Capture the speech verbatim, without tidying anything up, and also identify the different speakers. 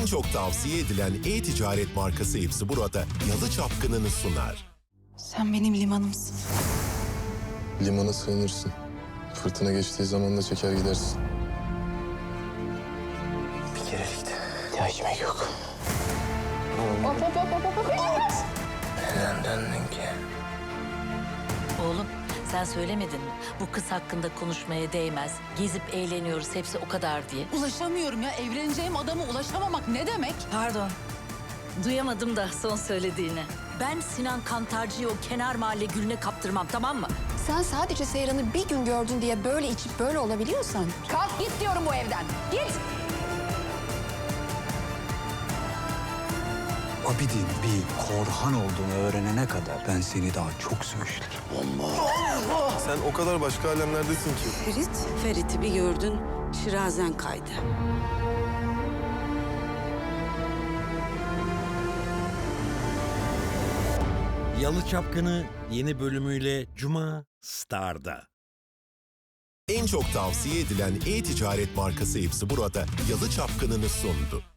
Speaker 1: çok tavsiye edilen e-ticaret markası hepsi burada Yalı Çapkını'nı sunar.
Speaker 2: Sen benim limanımsın.
Speaker 3: Limana sığınırsın. Fırtına geçtiği zaman da çeker gidersin.
Speaker 4: Bir kerelik de ihtiyacım yok.
Speaker 2: Hop hop hop hop hop.
Speaker 4: Neden döndün ki?
Speaker 5: Oğlum sen söylemedin mi? Bu kız hakkında konuşmaya değmez. Gezip eğleniyoruz hepsi o kadar diye.
Speaker 2: Ulaşamıyorum ya. Evleneceğim adama ulaşamamak ne demek?
Speaker 5: Pardon. Duyamadım da son söylediğini. Ben Sinan Kantarcı'yı o kenar mahalle gülüne kaptırmam, tamam mı?
Speaker 6: Sen sadece Seyran'ı bir gün gördün diye böyle içip böyle olabiliyorsan... Kalk git diyorum bu evden. Git!
Speaker 7: Abidin bir Korhan olduğunu öğrenene kadar ben seni daha çok söğüşlerim.
Speaker 3: Sen o kadar başka alemlerdesin ki.
Speaker 8: Ferit, Ferit'i bir gördün, şirazen kaydı.
Speaker 9: Yalı Çapkını yeni bölümüyle Cuma Star'da.
Speaker 1: En çok tavsiye edilen e-ticaret markası hepsi burada Yalı Çapkını'nı sundu.